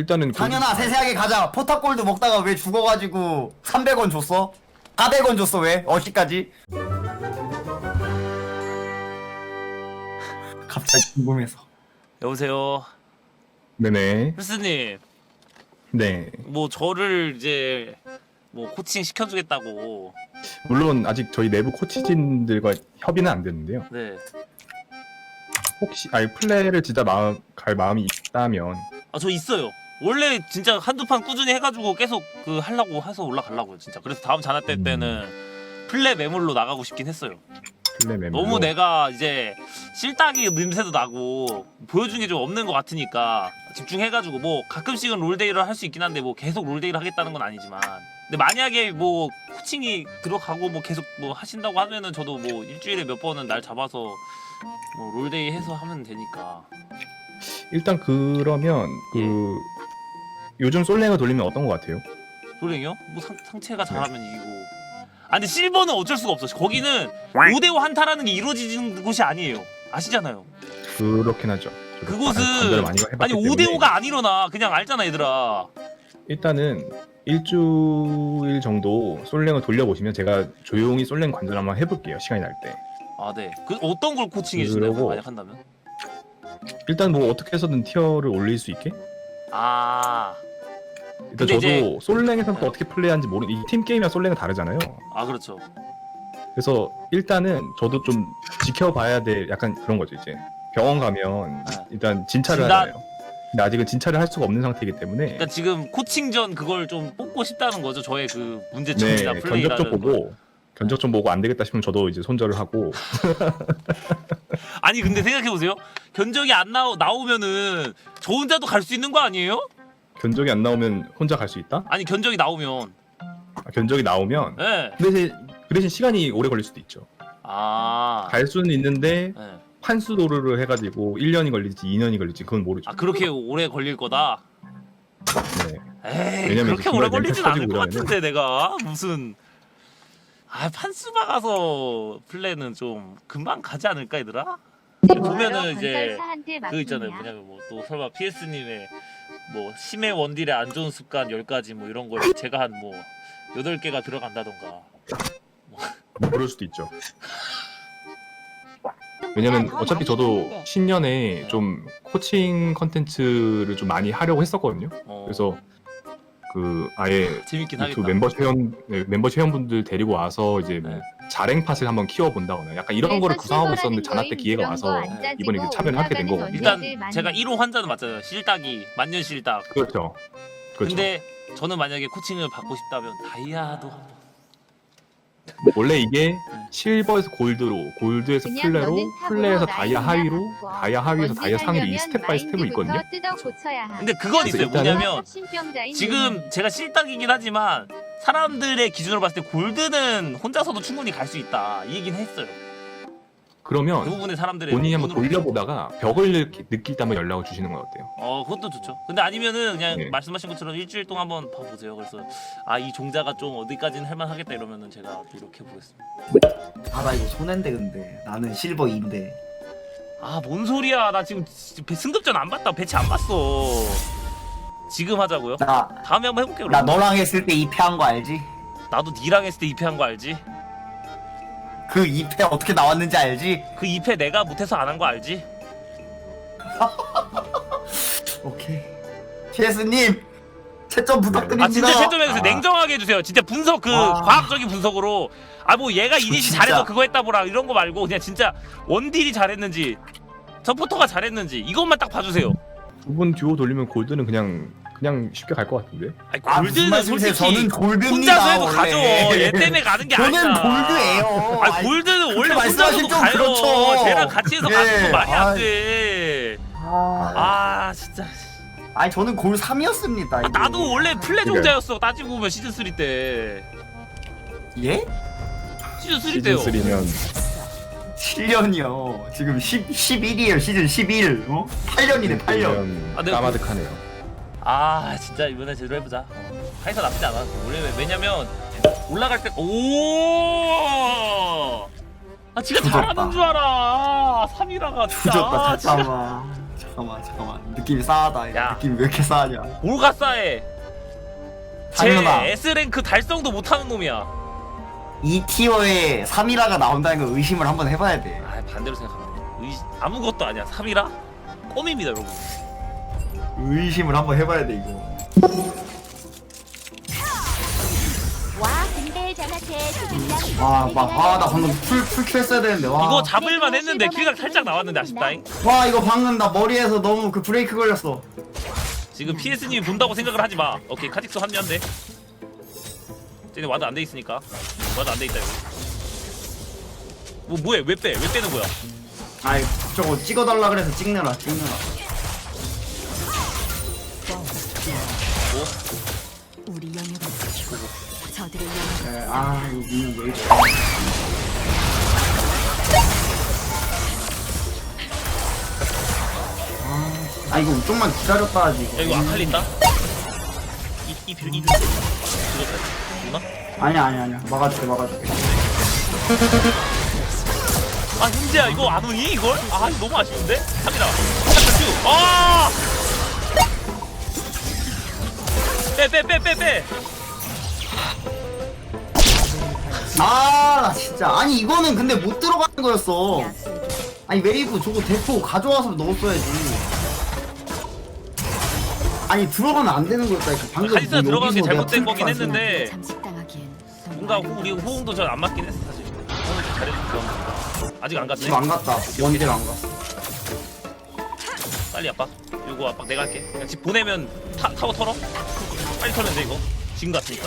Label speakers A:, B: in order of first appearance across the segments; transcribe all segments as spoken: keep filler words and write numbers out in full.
A: 일단은
B: 당연아 세세하게 가자. 포탑골드 먹다가 왜 죽어가지고 삼백 원 줬어? 사백 원 줬어 왜? 어디까지? 갑자기 궁금해서.
C: 여보세요.
A: 네네.
C: 플스님,
A: 네.
C: 뭐 저를 이제 뭐 코칭 시켜주겠다고.
A: 물론 아직 저희 내부 코치진들과 협의는 안 됐는데요.
C: 네.
A: 혹시 아니 플레이를 진짜 마음 갈 마음이 있다면
C: 아 저 있어요. 원래 진짜 한두 판 꾸준히 해가지고 계속 그 하려고 해서 올라가려고요 진짜. 그래서 다음 자나 때
A: 음.
C: 때는 플레 매물로 나가고 싶긴 했어요.
A: 플레이 멤버
C: 너무 내가 이제 실딱이 냄새도 나고 보여준 게 좀 없는 것 같으니까 집중해가지고 뭐 가끔씩은 롤데이를 할 수 있긴 한데 뭐 계속 롤데이를 하겠다는 건 아니지만 근데 만약에 뭐 코칭이 들어가고 뭐 계속 뭐 하신다고 하면은 저도 뭐 일주일에 몇 번은 날 잡아서 뭐 롤데이 해서 하면 되니까.
A: 일단 그러면 그 요즘 솔랭을 돌리면 어떤 것 같아요?
C: 롤랭이요? 뭐 상, 상체가 잘하면 이기고. 아 근데 실버는 어쩔 수가 없어. 거기는 오 대 오 한타라는 게 이루어지는 곳이 아니에요. 아시잖아요.
A: 그렇긴 하죠. 저도
C: 그곳은
A: 관절을 많이 해봤기
C: 아니 오 대
A: 때문에.
C: 오가 안 일어나. 그냥 알잖아 얘들아.
A: 일단은 일주일 정도 솔랭을 돌려보시면 제가 조용히 솔랭 관절 한번 해볼게요. 시간이 날 때.
C: 아 네. 그 어떤 걸 코칭해 주나요?
A: 그러고-
C: 만약 한다면?
A: 일단 뭐 어떻게 해서든 티어를 올릴 수 있게.
C: 아,
A: 일단
C: 근데
A: 저도
C: 이제-
A: 솔랭에서 또 어떻게 플레이하는지 모르. 이 팀 게임이랑 솔랭은 다르잖아요.
C: 아 그렇죠.
A: 그래서 일단은 저도 좀 지켜봐야 될 약간 그런 거죠. 이제 병원 가면
C: 네.
A: 일단 진찰을
C: 진단?
A: 하잖아요. 근데 아직은 진찰을 할 수가 없는 상태이기 때문에
C: 그러니까 지금 코칭 전 그걸 좀 뽑고 싶다는 거죠. 저의 그
A: 네
C: 문제점이나
A: 견적
C: 플레이라는
A: 좀 보고 견적 좀 보고 안 되겠다 싶으면 저도 이제 손절을 하고.
C: 아니 근데 생각해 보세요. 견적이 안 나오 나오면은 저 혼자도 갈 수 있는 거 아니에요?
A: 견적이 안 나오면 혼자 갈 수 있다?
C: 아니 견적이 나오면.
A: 아, 견적이 나오면
C: 예. 네.
A: 그 대신, 그 대신 시간이 오래 걸릴 수도 있죠.
C: 아.
A: 갈 수는 있는데
C: 네.
A: 판수 도르를 해가지고 일 년이 걸릴지 이 년이 걸릴지 그건 모르죠.
C: 아 그렇게 오래 걸릴 거다.
A: 네.
C: 에이
A: 왜냐면
C: 그렇게
A: 이제
C: 오래
A: 중간에
C: 걸리진
A: 멘탈
C: 않을 것
A: 터지고
C: 같은데 내가 무슨 아 판수 박아서 플레이는 좀 금방 가지 않을까 얘들아? 보면은 이제 그 있잖아요 뭐냐면 뭐 또 설마 피에스님의 뭐 심해 원딜의 안 좋은 습관 열 가지 뭐 이런 걸 제가 한 뭐 여덟 개가 들어간다던가.
A: 뭐 그럴 수도 있죠. 왜냐면 어차피 저도 신년에 좀 코칭 컨텐츠를 좀 많이 하려고 했었거든요.
C: 어,
A: 그래서 그 아예
C: 재밌긴
A: 그
C: 하겠다.
A: 멤버십 회원 네, 멤버십 회원분들 데리고 와서 이제 뭐
C: 네.
A: 자랭팟을 한번 키워본다거나 약간 이런 거를 구상하고 있었는데 자나 때 기회가 와서 이번에 이제 참여를 하게 된 거거든요.
C: 일단 제가 일 호 환자는 맞잖아요. 실딱이 만년 실딱.
A: 그렇죠. 그렇죠.
C: 근데 저는 만약에 코칭을 받고 싶다면 다이아도 한번.
A: 원래 이게 실버에서 골드로, 골드에서 플레로, 플레에서 다이아 하위로, 다이아 하위에서 다이아 상위로 이 스텝 바이 스텝으로 있거든요.
C: 근데 그건 있어요.
A: 일단은-
C: 뭐냐면 지금 제가 실딱이긴 하지만 사람들의 기준으로 봤을 때 골드는 혼자서도 충분히 갈 수 있다 이 얘기는 했어요.
A: 그러면
C: 대부분의 사람들의
A: 본인이 한번
C: 눈으로
A: 돌려보다가 벽을 느끼, 느끼다면 연락을 주시는 건 어때요?
C: 어 그것도 좋죠. 근데 아니면은 그냥
A: 네.
C: 말씀하신 것처럼 일주일 동안 한번 봐보세요. 그래서 아 이 종자가 좀 어디까지는 할만하겠다 이러면은 제가 노력해 보겠습니다.
B: 아 나 이거 손해인데 근데 나는 실버 이인데.
C: 아 뭔 소리야? 나 지금 배- 승급전 안 봤다. 배치 안 봤어. 지금 하자고요?
B: 나
C: 다음에 한번 해볼게요.
B: 나
C: 그럼.
B: 너랑 했을 때 이 패 한 거 알지?
C: 나도 니랑 했을 때 이 패 한 거 알지?
B: 그 이 패 어떻게 나왔는지 알지?
C: 그 이 패 내가 못해서 안 한 거 알지?
B: 오케이. 피에스님 채점 부탁드립니다.
C: 아 진짜 채점해 주세요.
A: 아.
C: 냉정하게 해주세요. 진짜 분석 그
B: 와.
C: 과학적인 분석으로 아 뭐 얘가 이니시
B: 진짜.
C: 잘해서 그거 했다 보라 이런 거 말고 그냥 진짜 원딜이 잘했는지 서포터가 잘했는지 이것만 딱 봐주세요.
A: 두 분 듀오 돌리면 골드는 그냥 그냥 쉽게 갈 것 같은데?
C: 아니
B: 아, 무슨
C: 골드는
B: 말씀이세요?
C: 솔직히
B: 저는 골드입니다.
C: 혼자서 해도
B: 원래.
C: 가죠. 얘 때문에 가는 게
B: 저는
C: 아니야.
B: 골드예요.
C: 아 골드는 원래
B: 그렇게
C: 혼자서도
B: 말씀하시면 좀
C: 가요.
B: 그렇죠.
C: 쟤랑 같이 해서
B: 예.
C: 가는 거 말이
B: 아.
C: 안 돼.
B: 아,
C: 아 진짜.
B: 아니 저는 골 삼이었습니다.
C: 아, 나도 원래 플레
A: 그래.
C: 종자였어. 따지고 보면 시즌 쓰리 때.
B: 예?
C: 시즌 쓰리
A: 시즌
C: 때요.
A: 쓰리면
B: 칠 년이요. 지금 십, 십일이에요. 시즌 십일. 어? 팔 년이네. 팔 년.
C: 아, 내가
A: 까마득하네요.
C: 아 진짜 이번에 제대로 해보자. 어. 카이사 나쁘지 않아. 원래 왜냐면 올라갈 때 오. 아 지가
B: 조졌다.
C: 잘하는 줄 알아. 삼이라가 진짜.
B: 조졌다.
C: 아, 진짜.
B: 잠깐만. 잠깐만 잠깐만 느낌이 싸하다. 이거.
C: 야.
B: 느낌이 왜 이렇게 싸하냐?
C: 뭘가 싸해? 제
B: 당연하.
C: S랭크 달성도 못하는 놈이야.
B: 이 티어에 삼이라가 나온다는 걸 의심을 한번 해봐야 돼.
C: 아 반대로 생각하면 의... 아무것도 아니야. 삼이라 껌입니다 여러분.
B: 의심을 한번 해봐야 돼 이거.
D: 와 근데 장아채 수빈장
B: 와막아나 방금 풀 풀킬 했어야 되는데 와.
C: 이거 잡을만 했는데 킬각 살짝 나왔는데 아쉽다잉.
B: 와 이거 방금 나 머리에서 너무 그 브레이크 걸렸어.
C: 지금 피에스님이 본다고 생각을 하지 마. 오케이 카직스 합류한대. 쟤네 와드 안 돼 있으니까. 와드 안 돼 있다 이거. 뭐 뭐해? 왜 빼? 왜 빼는 거야?
B: 아이 저거 찍어달라 그래서 찍느라 찍느라.
C: 뭐?
E: 우리 영역을 지키고 저들의 영역을
B: 에, 아 이거 미는 왜 이래? 아, 아 이거 좀만 기다렸다 하지.
C: 야 이거 아칼리 있다? 이이 빌 이. 누나?
B: 아니야 아니야 아니야 막아줄게 막아줄게.
C: 아 현재야 이거 안 오니 이걸? 아 이거 너무 아쉬운데? 삼이라. 잠깐 큐. 아! 빼 빼 빼 빼 빼.
B: 아 나 진짜 아니 이거는 근데 못 들어가는 거였어.
E: 약속해.
B: 아니 웨이브 저거 대포 가져와서 넣었어야지. 아니 들어가면 안 되는 거였다니까 방금.
C: 카이스가
B: 뭐
C: 들어간 게
B: 여기서
C: 잘못된
B: 내가
C: 거긴
B: 풀
C: 했는데
E: 잠식당하기엔 좀
C: 뭔가
E: 많은
C: 호, 우리 호응도 잘 안 맞긴 했어 사실. 호응을 좀 잘해줬어. 아직 안 갔네.
B: 지금 안 갔다. 원딜 안 갔어.
C: 빨리 압박. 이거 압박 내가 할게. 그냥 집 보내면 타, 타워 털어. 빨리 털면 돼 이거. 지금 갔으니까.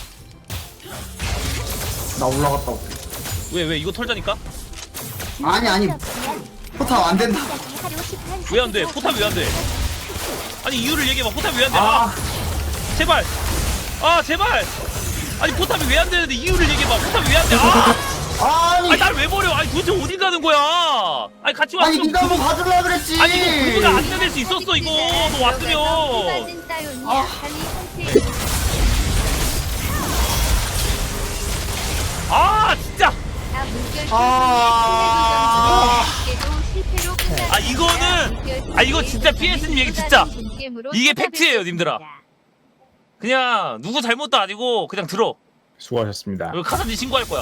B: 나 올라갔다 올게.
C: 왜 왜 이거 털자니까?
B: 아니 아니 포탑 안 된다.
C: 왜 안 돼? 포탑 왜 안 돼? 아니 이유를 얘기해봐. 포탑 왜 안 돼? 아,
B: 아
C: 제발. 아 제발. 아니 포탑이 왜 안 되는데 이유를 얘기해봐. 포탑이 왜 안 돼? 아,
B: 아니
C: 아니 날 왜 버려? 아니 도대체 어디 가는 거야? 아니 같이 왔으면.
B: 아니 네가 뭐 가져라 그랬지.
C: 아니 이거 구두가 안 내릴 수 있었어 이거. 너 왔으면.
D: 아.
C: 아 진짜.
B: 아.
C: 아 이거는 아 이거 진짜 피에스님 얘기 진짜 이게 팩트예요 님들아. 그냥 누구 잘못도 아니고 그냥 들어.
A: 수고하셨습니다.
C: 이거 카사딘 신고할 거야.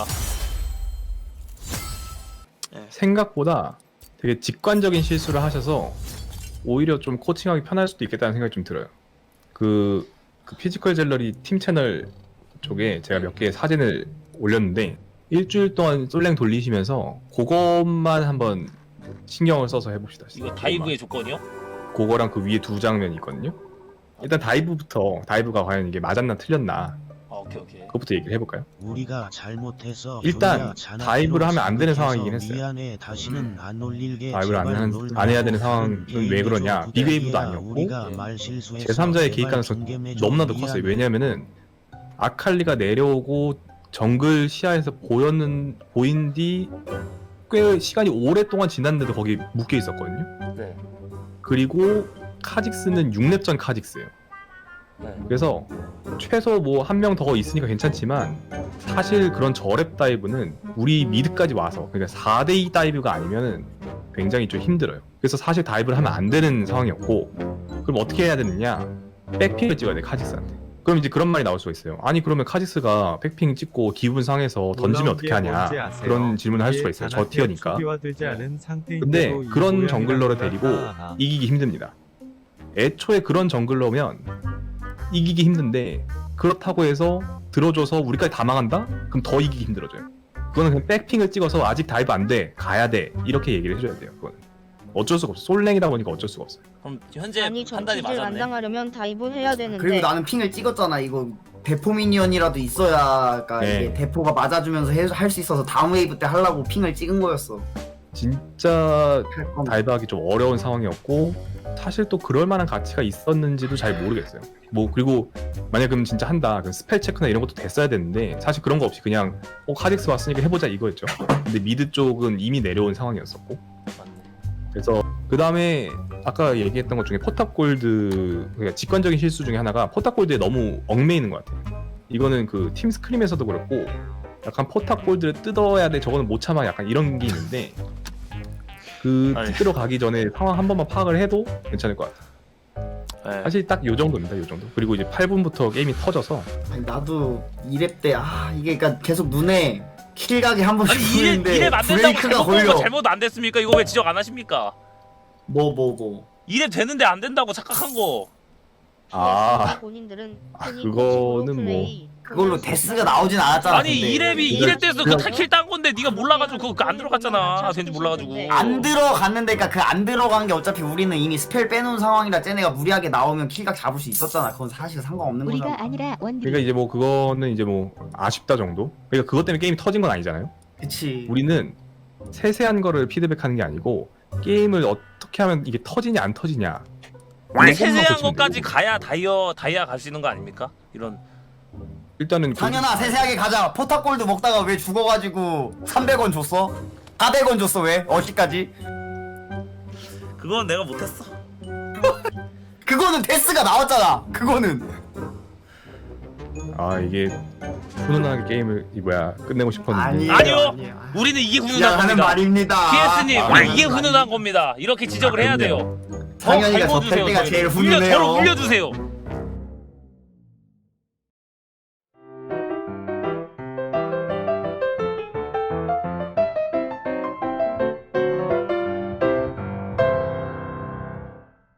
A: 생각보다 되게 직관적인 실수를 하셔서 오히려 좀 코칭하기 편할 수도 있겠다는 생각이 좀 들어요. 그, 그 피지컬 젤러리 팀 채널 쪽에 제가 몇 개의 사진을 올렸는데 일주일 동안 솔랭 돌리시면서 그것만 한번 신경을 써서 해봅시다.
C: 이거 다이브의 조건이요?
A: 그거랑 그 위에 두 장면이 있거든요. 일단 다이브부터 다이브가 과연 이게 맞았나 틀렸나
C: 아 오케이 오케이.
A: 그것부터 얘기를 해볼까요?
F: 우리가 잘못해서
A: 일단 다이브를 하면 안 되는 상황이긴 했어요.
F: 미안해, 다시는 안 올릴게.
A: 다이브를 안,
F: 제발
A: 한,
F: 롤
A: 안 해야 되는
F: 말고
A: 상황은
F: 게임
A: 왜 그러냐?
F: 좀
A: 빅웨이브도
F: 부탁이야.
A: 아니었고
F: 우리가 말 실수해서
A: 제삼자의
F: 제발
A: 개입 가능성이
F: 존겜해 줘.
A: 너무나도 컸어요.
F: 미안해.
A: 왜냐면은 아칼리가 내려오고 정글 시야에서 보였는 보인 뒤 꽤 시간이 오랫동안 지났는데도 거기 묶여 있었거든요.
C: 네.
A: 그리고 카직스는 육 렙 전 카직스예요.
C: 네.
A: 그래서 최소 뭐 한 명 더 있으니까 괜찮지만 사실 그런 저랩 다이브는 우리 미드까지 와서 그러니까 사 대 이 다이브가 아니면은 굉장히 좀 힘들어요. 그래서 사실 다이브를 하면 안 되는 상황이었고 그럼 어떻게 해야 되느냐? 백핑을 찍어야 돼 카직스한테. 그럼 이제 그런 말이 나올 수가 있어요. 아니 그러면 카직스가 백핑 찍고 기분 상해서 던지면 어떻게 하냐 그런 질문을 할 수가 있어요. 저 티어니까. 근데 그런 정글러를 데리고 이기기 힘듭니다. 애초에 그런 정글러면 이기기 힘든데 그렇다고 해서 들어줘서 우리까지 다 망한다? 그럼 더 이기기 힘들어져요. 그거는 그냥 백핑을 찍어서 아직 다이브 안 돼, 가야 돼 이렇게 얘기를 해줘야 돼요. 그거는 어쩔 수가 없어. 솔랭이다 보니까 어쩔 수가 없어요.
C: 그럼 현재
G: 아니
C: 판단이
G: 전치질 안
C: 맞았네.
G: 당하려면 다이브 해야 되는데
B: 그리고 나는 핑을 찍었잖아. 이거 대포 미니언이라도 있어야 그러니까
A: 네.
B: 이게 대포가 맞아주면서 할 수 있어서 다음 웨이브 때 하려고 핑을 찍은 거였어.
A: 진짜
B: 할 건.
A: 다이브하기 좀 어려운 상황이었고 사실 또 그럴 만한 가치가 있었는지도 잘 모르겠어요. 뭐 그리고 만약 그럼 진짜 한다 그럼 스펠 체크나 이런 것도 됐어야 되는데 사실 그런 거 없이 그냥 어 카직스 왔으니까 해보자 이거였죠. 근데 미드 쪽은 이미 내려온 상황이었었고
C: 맞네.
A: 그래서 그 다음에 아까 얘기했던 것 중에 포탑 골드 그러니까 직관적인 실수 중에 하나가 포탑 골드에 너무 얽매이는 것 같아요. 이거는 그 팀 스크림에서도 그렇고 약간 포탑 골드를 뜯어야 돼 저거는 못 참아 약간 이런 게 있는데 그
C: 아니.
A: 특기로 가기 전에 상황 한 번만 파악을 해도 괜찮을 것 같아요.
C: 네.
A: 사실 딱 요 정도입니다. 요 정도. 그리고 이제 팔 분부터 게임이 터져서
B: 아니 나도 이 렙 때 아 이게 그러니까 계속 눈에 킬각이 한 번씩
C: 아니 이래
B: 보이는데
C: 이래 안 된다고
B: 브레이크가
C: 잘못 본거
B: 걸려.
C: 잘못 안 됐습니까? 이거 왜 지적 안 하십니까?
B: 뭐 뭐 뭐.
C: 이래 되는데 안 된다고 착각한 거.
A: 아,
G: 본인들은
A: 아,
G: 본인
A: 그거는
G: 코칭으로 플레이,
B: 그걸로 데스가 나오진 않았잖아.
C: 아니
B: 근데.
C: 이랩이
A: 그거
C: 이랩 때서 그
A: 그냥-
C: 타킬 딴 건데 네가 몰라가지고 그거 안 들어갔잖아. 왠지 몰라가지고.
B: 안 들어갔는데 그니까 그 안 들어간 게 어차피 우리는 이미 스펠 빼놓은 상황이라 쟤네가 무리하게 나오면 킬각 잡을 수 있었잖아. 그건 사실 상관없는
D: 우리가
B: 거잖아.
D: 아니라 원딜.
A: 그러니까 이제 뭐 그거는 이제 뭐 아쉽다 정도. 그러니까 그것 때문에 게임이 터진 건 아니잖아요.
B: 그치.
A: 우리는 세세한 거를 피드백하는 게 아니고 게임을 어떻게 하면 이게 터지냐 안 터지냐.
C: 원래
A: 요것만
C: 세세한
A: 고치면
C: 것까지
A: 되고.
C: 가야 다이어 다이아 갈 수 있는 거 아닙니까? 이런.
A: 일단은 그-
B: 상현아 세세하게 가자. 포탑골드 먹다가 왜 죽어가지고 삼백 원 줬어? 사백 원 줬어 왜? 어시까지?
C: 그건 내가 못했어.
B: 그거는 데스가 나왔잖아. 그거는.
A: 아 이게 훈훈하게 게임을 이 뭐야 끝내고 싶었는데
B: 아니에요.
C: 아니요.
B: 아니에요.
C: 우리는 이게 훈훈한
B: 그냥 하는
C: 겁니다.
B: 말입니다.
C: 피에스님
A: 아,
C: 우리
A: 아니,
C: 이게
B: 아니,
C: 훈훈한 겁니다. 이렇게 지적을
A: 아,
C: 해야
A: 그럼요.
C: 돼요. 더
B: 상현이가
C: 갈고
B: 저
C: 주세요.
B: 뺄 때가
C: 저를.
B: 제일
C: 물려,
B: 훈훈해요.
C: 저를 물려주세요.